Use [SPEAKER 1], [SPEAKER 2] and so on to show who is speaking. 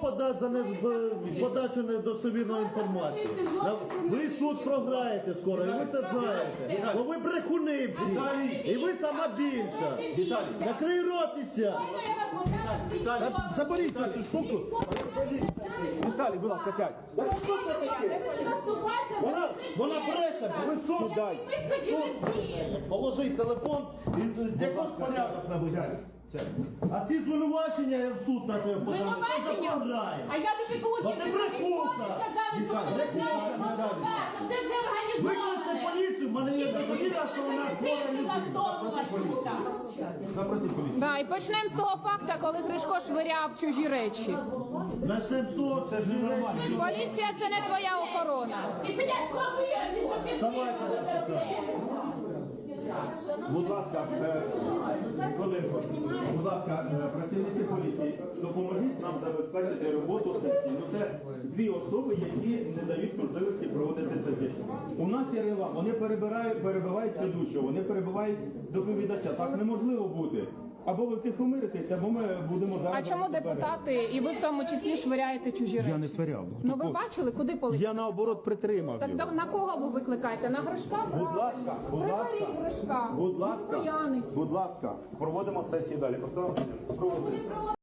[SPEAKER 1] подасть за подачу недостовірної інформації? Ви суд програєте скоро, і ви це знаєте. Бо ви брехуни всі, і ви сама більша. Закрий рот і сядь. Заберіть цю штуку.
[SPEAKER 2] Віталій, будь ласка, сядь.
[SPEAKER 1] Вона бреше, ви суд. Положіть телефон і якось порядок наведіть. А ці звинувачення я в суд на тебе подам.
[SPEAKER 3] Звинувачення? А я тобі коли сказали, що ви не знаєте, що це все організоване.
[SPEAKER 1] Викличте поліцію, в мене є довіра, що вона
[SPEAKER 2] Запросіть поліцію.
[SPEAKER 4] Да, і почнемо з того факту, коли Кришко швиряв чужі речі.
[SPEAKER 1] Начнемо з того, це ж нормально.
[SPEAKER 4] Поліція – це не твоя охорона.
[SPEAKER 3] І сидять хлопці, щоб ти
[SPEAKER 2] Будь ласка, хвилинку. Будь ласка, працівники поліції, допоможіть нам забезпечити роботу сесії. Це дві особи, які не дають можливості проводити сесію. У нас є регламент, вони перебивають ведучого, вони перебивають доповідача. Так неможливо бути. Або ви втихомиритесь, або ми будемо зараз...
[SPEAKER 4] А чому депутати, і ви в тому числі швиряєте чужі речі?
[SPEAKER 2] Я не сваряв.
[SPEAKER 4] Ну ви бачили, куди полетіли?
[SPEAKER 2] Я наоборот притримав
[SPEAKER 4] Так
[SPEAKER 2] його.
[SPEAKER 4] на кого ви викликаєте? На Гришка?
[SPEAKER 2] Будь ласка, будь ласка,
[SPEAKER 4] Приберіть Гришка.
[SPEAKER 2] будь ласка,
[SPEAKER 4] Він буянить.
[SPEAKER 2] будь ласка, проводимо сесію далі. Проводимо.